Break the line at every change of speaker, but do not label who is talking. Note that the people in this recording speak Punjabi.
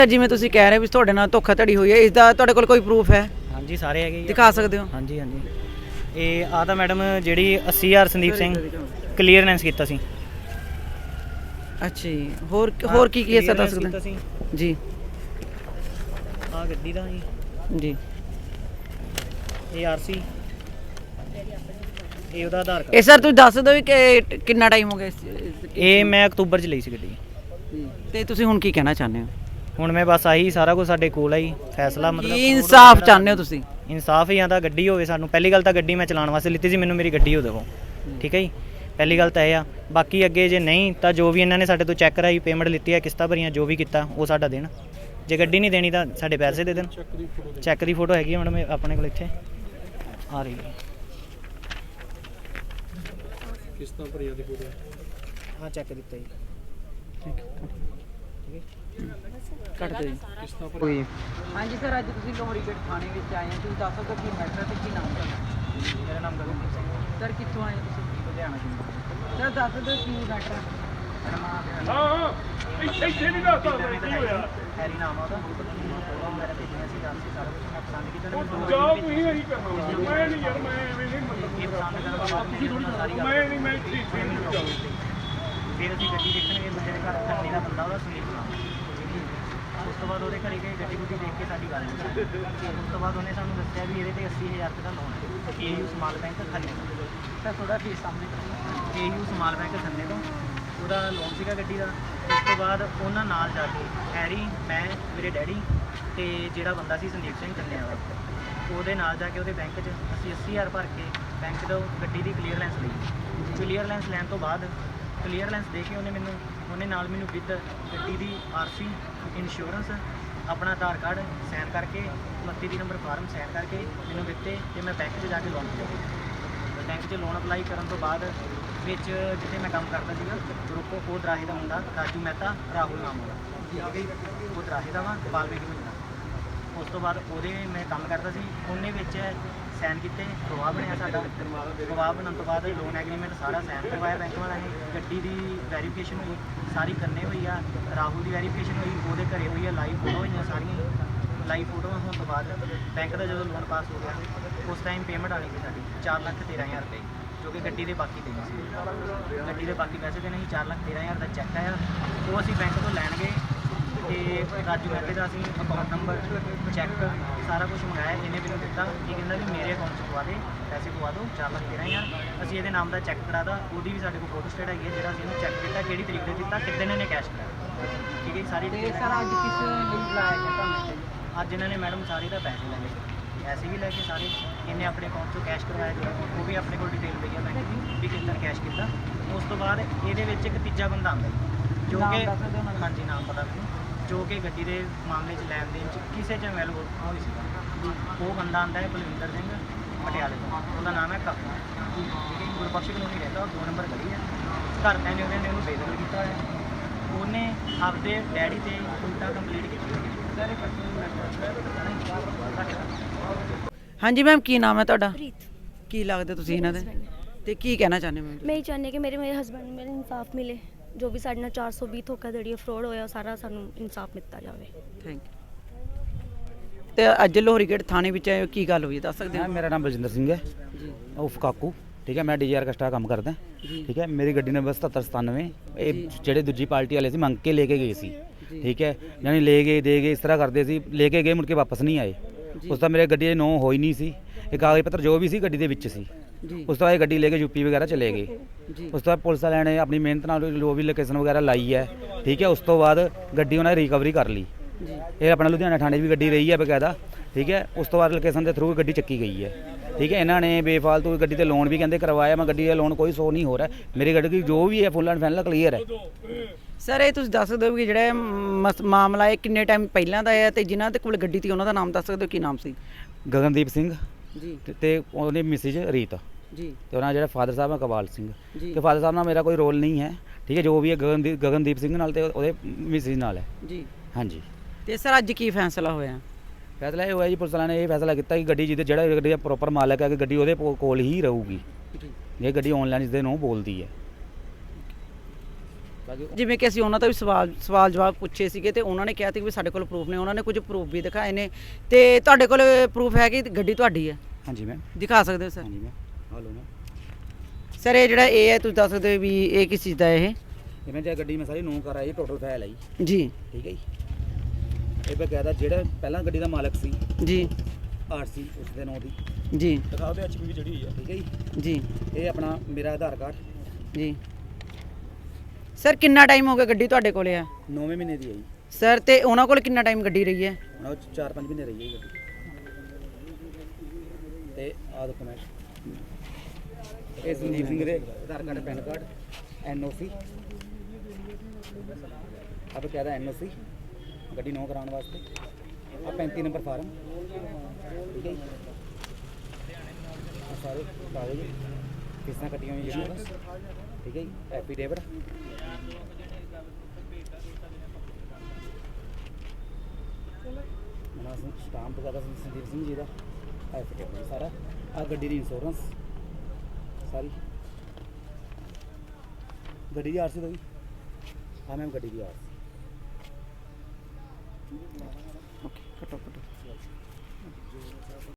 ਜਿਵੇਂ ਤੁਸੀਂ ਕਹਿ ਰਹੇ ਵੀ ਤੁਹਾਡੇ ਨਾਲ ਧੋਖਾਧੜੀ ਹੋਈ ਹੈ, ਇਸ ਦਾ ਤੁਹਾਡੇ ਕੋਲ ਕੋਈ ਪ੍ਰੂਫ ਹੈ?
ਹਾਂਜੀ ਸਾਰੇ ਹੈਗੇ
ਦਿਖਾ ਸਕਦੇ ਹੋ?
ਹਾਂਜੀ ਹਾਂਜੀ। ਇਹ ਆ ਤਾਂ ਮੈਡਮ ਜਿਹੜੀ 80,000 ਸੰਦੀਪ ਸਿੰਘ ਕਲੀਅਰੈਂਸ ਕੀਤਾ ਸੀ।
ਅੱਛਾ ਜੀ, ਹੋਰ ਕੀ ਕੀ ਸਰ ਦੱਸ ਸਕਦੇ ਜੀ?
ਆ ਗੱਡੀ ਦਾ
ਜੀ
ਇਹ ਆਰਸੀ, ਇਹ ਉਹਦਾ ਆਧਾਰ ਕਾਰਡ।
ਇਹ ਸਰ ਤੁਸੀਂ ਦੱਸ ਦਿਓ ਵੀ ਕਿ ਕਿੰਨਾ ਟਾਈਮ ਹੋ ਗਿਆ
ਇਹ ਮੈਂ ਅਕਤੂਬਰ 'ਚ ਲਈ ਸੀ ਗੱਡੀ।
ਤੇ ਤੁਸੀਂ ਹੁਣ ਕੀ ਕਹਿਣਾ ਚਾਹੁੰਦੇ ਹੋ?
ਹੁਣ ਮੈਂ ਬਸ ਆਹੀ ਸਾਰਾ ਕੁਝ ਸਾਡੇ ਕੋਲ ਆਈ ਫੈਸਲਾ, ਮਤਲਬ
ਕੀ ਇਨਸਾਫ ਚਾਹੁੰਦੇ ਹੋ ਤੁਸੀਂ?
ਇਨਸਾਫ ਹੀ ਆਂਦਾ, ਗੱਡੀ ਹੋਵੇ ਸਾਨੂੰ। ਪਹਿਲੀ ਗੱਲ ਤਾਂ ਗੱਡੀ ਮੈਂ ਚਲਾਉਣ ਵਾਸਤੇ ਲਿੱਤੀ ਸੀ, ਮੈਨੂੰ ਮੇਰੀ ਗੱਡੀ ਹੋ ਦੇਵੋ, ਠੀਕ ਹੈ ਜੀ। ਪਹਿਲੀ ਗੱਲ ਤਾਂ ਇਹ ਆ। ਬਾਕੀ ਅੱਗੇ ਜੇ ਨਹੀਂ ਤਾਂ ਜੋ ਵੀ ਇਹਨਾਂ ਨੇ ਸਾਡੇ ਤੋਂ ਚੈੱਕ ਕਰਾਈ, ਪੇਮੈਂਟ ਲਿੱਤੀ ਹੈ, ਕਿਸ਼ਤਾਂ ਭਰੀਆਂ, ਜੋ ਵੀ ਕੀਤਾ ਉਹ ਸਾਡਾ ਦੇਣ। ਜੇ ਗੱਡੀ ਨਹੀਂ ਦੇਣੀ ਤਾਂ ਸਾਡੇ ਪੈਸੇ ਦੇ ਦੇਣ। ਚੈੱਕ ਦੀ ਫੋਟੋ ਹੈਗੀ ਮੈਡਮ ਆਪਣੇ ਕੋਲ, ਇੱਥੇ ਆ ਰਹੀ ਹੈ।
ਕਿਸ਼ਤਾਂ ਭਰੀਆਂ ਦੀ ਫੋਟੋ
ਹਾਂ ਚੈੱਕ ਦਿੱਤਾ ਜੀ।
ਕੱਟ ਦਿਓ ਜੀ।
ਕਿਸ਼ਤਾਂ ਭਰੀ।
ਹਾਂਜੀ ਸਰ, ਅੱਜ ਤੁਸੀਂ ਲੋਹਰੀਗੜ੍ਹ ਥਾਣੇ ਵਿੱਚ ਆਏ ਹੋ, ਤੁਸੀਂ ਦੱਸ ਸਕਦੇ ਹੋ ਕੀ ਮੈਟਰ ਤੇ ਕੀ ਨਾਮ ਤੁਹਾਡਾ?
ਮੇਰਾ ਨਾਮ ਗਗਨਦੀਪ ਸਿੰਘ ਹੈ।
ਸਰ ਕਿੱਥੋਂ ਆਏ ਹੋ ਤੁਸੀਂ?
ਲੁਧਿਆਣਾ ਤੋਂ।
ਸਰ ਦੱਸ ਦਿਓ ਕੀ ਮੈਟਰ ਹੈ?
ਇੱਥੇ ਨਹੀਂ ਦੱਸ ਸਕਦਾ ਕੀ ਹੋਇਆ।
ਹੈਰੀ ਨਾਮ ਆ ਉਹਦਾ। ਮੇਰਾ ਦੇਖਿਆ ਸੀ ਰਾਸੀ ਸਾਰਾ ਕੁਝ ਮੈਂ ਪਸੰਦ ਕੀਤਾ ਤੇ ਮੈਨੂੰ
ਜਾ ਤੁਸੀਂ ਇਹੀ ਕਰਨਾ। ਮੈਂ ਨਹੀਂ ਯਾਰ, ਮੈਂ ਐਵੇਂ ਨਹੀਂ
ਇਹ ਪਸੰਦ ਕਰਨ ਤੋਂ ਬਾਅਦ ਤੁਸੀਂ ਥੋੜੀ ਸਾਰੀ ਗੱਲ
ਮੈਂ ਨਹੀਂ, ਮੈਂ ਠੀਕ ਨਹੀਂ ਜਾਊਂ।
ਫਿਰ ਅਸੀਂ ਗੱਡੀ ਦੇਖਣਗੇ ਬੰਦੇ ਦੇ ਘਰ ਥੰਨੀ ਦਾ ਬੰਦਾ, ਉਹਦਾ ਸੁਨੀਲ ਨਾਮ। ਉਸ ਤੋਂ ਬਾਅਦ ਉਹਦੇ ਘਰੇ ਗਏ, ਗੱਡੀ ਗੁੱਡੀ ਦੇਖ ਕੇ ਸਾਡੀ ਗੱਲ ਹੋਈ। ਉਸ ਤੋਂ ਬਾਅਦ ਉਹਨੇ ਸਾਨੂੰ ਦੱਸਿਆ ਵੀ ਇਹਦੇ ਤੇ 80,000 ਰੁਪਏ ਦਾ ਲੋਨ ਹੈ, ਏਯੂ ਸਮਾਲ ਬੈਂਕ ਖੰਨੇ ਤੋਂ।
ਸਰ ਥੋੜਾ ਫੇਸ ਸਾਹਮਣੇ।
ਏਯੂ ਸਮਾਲ ਬੈਂਕ ਖੰਨੇ ਤੋਂ ਉਹਦਾ ਲੋਨ ਸੀਗਾ ਗੱਡੀ ਦਾ। ਉਸ ਤੋਂ ਬਾਅਦ ਉਹਨਾਂ ਨਾਲ ਜਾ ਕੇ ਹੈਰੀ, ਮੈਂ, ਮੇਰੇ ਡੈਡੀ ਤੇ ਜਿਹੜਾ ਬੰਦਾ ਸੀ ਸੰਦੀਪ ਸਿੰਘ ਕੰਨਿਆ ਦਾ, ਉਹਦੇ ਨਾਲ ਜਾ ਕੇ ਉਹਦੇ ਬੈਂਕ 'ਚ ਅਸੀਂ 80,000 ਭਰ ਕੇ ਬੈਂਕ ਤੋਂ ਗੱਡੀ ਦੀ ਕਲੀਅਰੈਂਸ ਲਈ। ਕਲੀਅਰੈਂਸ ਲੈਣ ਤੋਂ ਬਾਅਦ ਕਲੀਅਰੈਂਸ ਦੇ ਕੇ ਉਹਨੇ ਨਾਲ ਮੈਨੂੰ ਵਿਦ ਗੱਡੀ ਦੀ ਆਰਸੀ, ਇੰਸ਼ੋਰੈਂਸ, ਆਪਣਾ ਆਧਾਰ ਕਾਰਡ ਸਾਈਨ ਕਰਕੇ, 29 ਨੰਬਰ ਫਾਰਮ ਸਾਈਨ ਕਰਕੇ ਮੈਨੂੰ ਦਿੱਤੇ ਤੇ ਮੈਂ ਬੈਂਕ 'ਚ ਜਾ ਕੇ ਲੋਨ ਲਿਆ। ਬੈਂਕ 'ਚ ਲੋਨ ਅਪਲਾਈ ਕਰਨ ਤੋਂ ਬਾਅਦ ਵਿੱਚ ਜਿੱਥੇ ਮੈਂ ਕੰਮ ਕਰਦਾ ਸੀਗਾ ਗਰੁੱਪ, ਉਹ ਦਰਾਹੇ ਦਾ ਮੁੰਡਾ ਰਾਜੂ ਮਹਿਤਾ, ਰਾਹੁਲ ਨਾਮ ਉਹਦਾ, ਉਹ ਦਰਾਹੇ ਦਾ ਵਾ, ਬਾਲਵੇਗੀ ਮੁੰਡਾ। ਉਸ ਤੋਂ ਬਾਅਦ ਉਹਦੇ ਮੈਂ ਕੰਮ ਕਰਦਾ ਸੀ, ਉਹਨੇ ਵਿੱਚ ਸਾਈਨ ਕੀਤੇ, ਗਵਾਹ ਬਣਿਆ ਸਾਡਾ। ਗਵਾਹ ਬਣਨ ਤੋਂ ਬਾਅਦ ਲੋਨ ਐਗਰੀਮੈਂਟ ਸਾਰਾ ਸਾਈਨ ਕਰਵਾਇਆ ਬੈਂਕ ਵਾਲਿਆਂ ਨੇ। ਗੱਡੀ ਦੀ ਵੈਰੀਫਿਕੇਸ਼ਨ ਹੋਈ, ਸਾਰੀ ਕਰਨੇ ਹੋਈ ਆ। ਰਾਹੁਲ ਦੀ ਵੈਰੀਫਿਕੇਸ਼ਨ ਹੋਈ, ਉਹਦੇ ਘਰੇ ਹੋਈ ਆ। ਲਾਈਵ ਫੋਟੋ ਹੋਈਆਂ ਸਾਰੀਆਂ। ਲਾਈਵ ਫੋਟੋਆਂ ਹੋਣ ਤੋਂ ਬਾਅਦ ਬੈਂਕ ਦਾ ਜਦੋਂ ਲੋਨ ਪਾਸ ਹੋ ਗਿਆ, ਉਸ ਟਾਈਮ ਪੇਮੈਂਟ ਆਣੀ ਸੀ ਸਾਡੀ 4,13,000 ਰੁਪਏ, ਜੋ ਕਿ ਗੱਡੀ ਦੇ ਬਾਕੀ ਦੇਣੇ ਸੀ। ਗੱਡੀ ਦੇ ਬਾਕੀ ਪੈਸੇ ਦੇਣੇ ਸੀ। 4,13,000 ਦਾ ਚੈੱਕ ਆਇਆ, ਉਹ ਅਸੀਂ ਬੈਂਕ ਤੋਂ ਲੈਣ ਗਏ ਤੇ ਰਾਜੂ ਮਹਿਤੇ ਦਾ ਅਸੀਂ ਅਕਾਊਂਟ ਨੰਬਰ, ਚੈੱਕ, ਸਾਰਾ ਕੁਝ ਮੰਗਾਇਆ। ਇਹਨੇ ਮੈਨੂੰ ਦਿੱਤਾ, ਇਹ ਕਹਿੰਦਾ ਵੀ ਮੇਰੇ ਅਕਾਊਂਟ 'ਚ ਪਵਾ ਦੇ, ਪੈਸੇ ਪਵਾ ਦਿਓ 4,13,000। ਅਸੀਂ ਇਹਦੇ ਨਾਮ ਦਾ ਚੈੱਕ ਕਰਾਦਾ, ਉਹਦੀ ਵੀ ਸਾਡੇ ਕੋਲ ਫੋਟੋ ਸਟੇਟ ਹੈਗੀ ਹੈ, ਜਿਹੜਾ ਅਸੀਂ ਇਹਨੂੰ ਚੈੱਕ ਕੀਤਾ, ਕਿਹੜੀ ਤਰੀਕ ਤੇ ਦਿੱਤਾ, ਕਿੱਦਣ ਇਹਨੇ ਕੈਸ਼ ਕਰਾਇਆ, ਠੀਕ ਹੈ। ਸਾਰੀ
ਤੇ ਸਰ ਅੱਜ ਕਿਸ ਲਈ ਬੁਲਾਇਆ ਗਿਆ ਤੁਹਾਨੂੰ?
ਅੱਜ ਇਹਨਾਂ ਨੇ ਮੈਡਮ ਸਾਰੇ ਦਾ ਪੈਸੇ ਲੈ ਲਏ, ਪੈਸੇ ਵੀ ਲੈ ਕੇ ਸਾਰੇ ਇਹਨੇ ਆਪਣੇ ਅਕਾਊਂਟ 'ਚੋਂ ਕੈਸ਼ ਕਰਵਾਇਆ, ਜਿਹੜਾ ਉਹ ਵੀ ਆਪਣੇ ਕੋਲ ਡਿਟੇਲ ਪਈ ਆ ਬੈਂਕ ਦੀ ਵੀ ਕਿੱਦਾਂ ਕੈਸ਼ ਕੀਤਾ। ਉਸ ਤੋਂ ਬਾਅਦ ਇਹਦੇ ਵਿੱਚ ਇੱਕ ਤੀਜਾ ਬੰਦਾ ਆਉਂਦਾ ਜੋ ਕਿ, ਹਾਂਜੀ ਨਾਮ ਪਤਾ ਮੈਨੂੰ, ਜੋ ਕਿ ਗੱਡੀ ਦੇ ਮਾਮਲੇ 'ਚ ਲੈਣ ਦੇਣ 'ਚ ਕਿਸੇ 'ਚ ਇਨਵੋਲਵ ਹੋਈ ਸੀ। ਉਹ ਬੰਦਾ ਆਉਂਦਾ ਹੈ ਬਲਵਿੰਦਰ ਸਿੰਘ, ਪਟਿਆਲੇ ਤੋਂ, ਉਹਦਾ ਨਾਮ ਹੈ ਕਾਕਾ, ਠੀਕ ਹੈ। ਗੁਰਬਖਸ਼ ਕਲੋਨੀ ਰਹਿੰਦਾ, ਉਹ 2 ਨੰਬਰ ਗਲੀ ਹੈ। ਘਰਦਿਆਂ ਨੇ ਉਹਨੂੰ ਬੇਦਖਲ ਕੀਤਾ ਹੋਇਆ। ਉਹਨੇ ਆਪਦੇ ਡੈਡੀ ਤੇ ਉਲਟਾ ਕੰਪਲੀਟ ਕੀਤੀ ਹੋਈ।
ਹਾਂਜੀ ਮੈਮ, ਕੀ ਨਾਮ ਹੈ ਤੁਹਾਡਾ?
ਪ੍ਰੀਤ।
ਕੀ ਲੱਗਦਾ ਤੁਸੀਂ ਇਹਨਾਂ ਦੇ ਤੇ ਕੀ ਕਹਿਣਾ ਚਾਹੁੰਦੇ ਮੈਮ?
ਮੈਂ ਇਹ ਚਾਹੁੰਦੀ ਕਿ ਮੇਰੇ ਹਸਬੈਂਡ ਨੂੰ ਮੇਰੇ ਇਨਸਾਫ ਮਿਲੇ। ਜੋ ਵੀ ਸਾਡੇ ਨਾਲ 420 ਧੋਖਾਧੜੀ ਫਰੋਡ ਹੋਇਆ, ਉਹ ਸਾਰਾ ਸਾਨੂੰ ਇਨਸਾਫ ਮਿਲਤਾ ਜਾਵੇ।
Thank you. ਤੇ ਅੱਜ ਲੋਹਰੀਗੜ੍ਹ ਥਾਣੇ ਵਿੱਚ ਆਏ ਹੋ, ਕੀ ਗੱਲ ਹੋਈ ਦੱਸ ਸਕਦੇ ਹੋ?
ਮੇਰਾ ਨਾਮ ਬਲਜਿੰਦਰ ਸਿੰਘ ਹੈ
ਜੀ
ਉਫ ਕਾਕੂ, ਠੀਕ ਹੈ। ਮੈਂ ਡੀਆਰ ਕਸਟਾ ਕੰਮ ਕਰਦਾ, ਠੀਕ ਹੈ। ਮੇਰੀ ਗੱਡੀ ਨੰਬਰ 7797। ਇਹ ਜਿਹੜੇ ਦੂਜੀ ਪਾਰਟੀ ਵਾਲੇ ਸੀ ਮੰਗ ਕੇ ਲੈ ਕੇ ਗਏ ਸੀ, ਠੀਕ ਹੈ। ਯਾਨੀ ਲੈ ਗਏ ਦੇ ਗਏ ਇਸ ਤਰ੍ਹਾਂ ਕਰਦੇ ਸੀ, ਲੈ ਕੇ ਗਏ ਮੁੜ ਕੇ ਵਾਪਸ ਨਹੀਂ ਆਏ। ਉਸ ਤੋਂ ਮੇਰੇ ਗੱਡੀ ਦੇ ਨੋ ਹੋਈ ਨਹੀਂ ਸੀ, ਇਹ ਕਾਗਜ਼ ਪੱਤਰ ਜੋ ਵੀ ਸੀ ਗੱਡੀ ਦੇ ਵਿੱਚ ਸੀ। ਉਸ ਤੋਂ ਬਾਅਦ ਗੱਡੀ ਲੈ ਕੇ ਯੂਪੀ ਵਗੈਰਾ ਚਲੇ ਗਏ। ਉਸ ਤੋਂ ਬਾਅਦ ਪੁਲਿਸ ਵਾਲਿਆਂ ਨੇ ਆਪਣੀ ਮਿਹਨਤ ਨਾਲ ਜੋ ਵੀ ਲੋਕੇਸ਼ਨ ਵਗੈਰਾ ਲਾਈ ਹੈ, ਠੀਕ ਹੈ। ਉਸ ਤੋਂ ਬਾਅਦ ਗੱਡੀ ਉਹਨਾਂ ਨੇ ਰਿਕਵਰੀ ਕਰ ਲਈ। ਇਹ ਆਪਣਾ ਲੁਧਿਆਣਾ ਥਾਣੇ 'ਚ ਵੀ ਗੱਡੀ ਰਹੀ ਹੈ ਬਕਾਇਦਾ, ਠੀਕ ਹੈ। ਉਸ ਤੋਂ ਬਾਅਦ ਲੋਕੇਸ਼ਨ ਦੇ ਥਰੂ ਗੱਡੀ ਚੱਕੀ ਗਈ ਹੈ, ਠੀਕ ਹੈ। ਇਹਨਾਂ ਨੇ ਬੇਫਾਲਤੂ ਗੱਡੀ ਤੇ ਲੋਨ ਵੀ ਕਹਿੰਦੇ ਕਰਵਾਇਆ, ਮੈਂ ਗੱਡੀ ਦਾ ਲੋਨ ਕੋਈ ਸ਼ੋ ਨਹੀਂ ਹੋ ਰਿਹਾ। ਮੇਰੀ ਗੱਡੀ ਦੀ ਜੋ ਵੀ ਹੈ ਫੁੱਲ ਐਂਡ ਫਾਈਨਲ ਕਲੀਅਰ ਹੈ।
ਸਰ ਇਹ ਤੁਸੀਂ ਦੱਸ ਸਕਦੇ ਹੋ ਕਿ ਜਿਹੜਾ ਮਾਮਲਾ ਹੈ ਕਿੰਨੇ ਟਾਈਮ ਪਹਿਲਾਂ ਦਾ ਹੈ ਤੇ ਜਿਨ੍ਹਾਂ ਦੇ ਕੋਲ ਗੱਡੀ ਸੀ ਉਹਨਾਂ ਦਾ ਨਾਮ ਦੱਸ ਸਕਦੇ ਹੋ, ਕੀ ਨਾਮ ਸੀ?
ਗਗਨਦੀਪ ਸਿੰਘ
ਜੀ
ਤੇ ਉਹਦੀ ਮਿਸਿਜ ਰੀਤ
ਜੀ,
ਤੇ ਉਹਨਾਂ ਜਿਹੜਾ ਫਾਦਰ ਸਾਹਿਬ ਹੈ ਕਬਾਲ ਸਿੰਘ।
ਜੀ
ਤੇ ਫਾਦਰ ਸਾਹਿਬ ਨਾਲ ਮੇਰਾ ਕੋਈ ਰੋਲ ਨਹੀਂ ਹੈ, ਠੀਕ ਹੈ। ਜੋ ਵੀ ਹੈ ਗਗਨਦੀਪ ਸਿੰਘ ਨਾਲ ਤੇ ਉਹਦੇ ਮਿਸਿਜ ਨਾਲ ਹੈ
ਜੀ।
ਹਾਂਜੀ।
ਤੇ ਸਰ ਅੱਜ ਕੀ ਫੈਸਲਾ ਹੋਇਆ?
ਫੈਸਲਾ ਇਹ ਹੋਇਆ ਜੀ, ਪੁਲਿਸ ਵਾਲਿਆਂ ਨੇ ਇਹ ਫੈਸਲਾ ਕੀਤਾ ਕਿ ਗੱਡੀ ਜਿਹੜਾ ਗੱਡੀ ਦਾ ਪ੍ਰੋਪਰ ਮਾਲਕ ਹੈ ਕਿ ਗੱਡੀ ਉਹਦੇ ਕੋਲ ਹੀ ਰਹੂਗੀ। ਇਹ ਗੱਡੀ ਆਨਲਾਈਨ ਇਸਦੇ ਨੂੰ ਬੋਲਦੀ ਹੈ। ਬਾਕੀ
ਜਿਵੇਂ ਕਿ ਅਸੀਂ ਉਹਨਾਂ ਤੋਂ ਵੀ ਸਵਾਲ ਜਵਾਬ ਪੁੱਛੇ ਸੀਗੇ ਤੇ ਉਹਨਾਂ ਨੇ ਕਿਹਾ ਸੀ ਵੀ ਸਾਡੇ ਕੋਲ ਪ੍ਰੂਫ ਨੇ, ਉਹਨਾਂ ਨੇ ਕੁਝ ਪ੍ਰੂਫ ਵੀ ਦਿਖਾਏ ਨੇ। ਤੇ ਤੁਹਾਡੇ ਕੋਲ ਪ੍ਰੂਫ ਹੈ ਕਿ ਗੱਡੀ ਤੁਹਾਡੀ ਹੈ?
ਹਾਂਜੀ ਮੈਮ,
ਦਿਖਾ ਸਕਦੇ ਹੋ ਸਰ?
ਹਾਂਜੀ ਮੈਮ, ਆ ਲਓ ਮੈਮ।
ਸਰ ਇਹ ਜਿਹੜਾ ਇਹ ਹੈ ਤੁਸੀਂ ਦੱਸ ਸਕਦੇ ਹੋ ਵੀ ਇਹ ਕਿਸ ਚੀਜ਼ ਦਾ ਹੈ ਇਹ?
ਇਹ ਮੈਂ ਜੇ ਗੱਡੀ ਮੈਂ ਸਾਰੀ ਨੋਟ ਕਰਾਈ, ਟੋਟਲ ਫਾਈਲ ਆਈ,
ਜੀ
ਠੀਕ ਹੈ ਜੀ। ਇਹ ਬਕਾਇਦਾ ਜਿਹੜਾ ਪਹਿਲਾਂ ਗੱਡੀ ਦਾ ਮਾਲਕ ਸੀ
ਜੀ
ਆਰਸੀ ਉਸ ਦੇ ਨਾਂ ਦੀ
ਜੀ
ਦਿਖਾਓ ਤੇ ਐਚਪੀ ਜਿਹੜੀ ਹੋਈ ਆ, ਠੀਕ ਹੈ ਜੀ।
ਜੀ
ਇਹ ਆਪਣਾ ਮੇਰਾ ਆਧਾਰ ਕਾਰਡ
ਜੀ। ਸਰ ਕਿੰਨਾ ਟਾਈਮ ਹੋ ਗਿਆ ਗੱਡੀ ਤੁਹਾਡੇ ਕੋਲੇ ਆ?
9ਵੇਂ ਮਹੀਨੇ ਦੀ ਹੈ ਜੀ।
ਸਰ ਤੇ ਉਹਨਾਂ ਕੋਲ ਕਿੰਨਾ ਟਾਈਮ ਗੱਡੀ ਰਹੀ ਹੈ?
ਉਹ 4-5 ਮਹੀਨੇ ਰਹੀ ਹੈ ਜੀ ਗੱਡੀ। ਤੇ ਆਹ ਦੇਖੋ ਮੈਂ ਇਹ ਸੰਦੀਪ ਸਿੰਘ ਦੇ Aadhaar card, PAN card, NOC, ਆਪ ਕਹਿੰਦਾ ਐਨਓਸੀ ਗੱਡੀ ਨੌ ਕਰਾਉਣ ਵਾਸਤੇ, ਆ 35 ਨੰਬਰ ਫਾਰਮ, ਠੀਕ ਹੈ ਜੀ। ਆਹ ਸਾਰੇ ਕਾਗਜ਼ ਕਿਸਾਂ ਕੱਟੀਆਂ ਹੋਈਆਂ ਜਿਹੜੀਆਂ ਬਸ, ਠੀਕ ਹੈ ਜੀ। ਐਫੀਡੇਵਿਟ, ਮਨਾ ਸਿੰਘ ਸਟਾਂਪ ਵਗੈਰਾ ਸੰਦੀਪ ਸਿੰਘ ਜੀ ਦਾ ਐਫੀਡੇਵਿਟ ਸਾਰਾ। ਆ ਗੱਡੀ ਦੀ ਇੰਸ਼ੋਰੈਂਸ ਸਾਰੀ, ਗੱਡੀ ਦੀ ਆਰਸੀ ਦਾ ਵੀ, ਆ ਮੈਮ ਗੱਡੀ ਦੀ ਆਰਸੀ।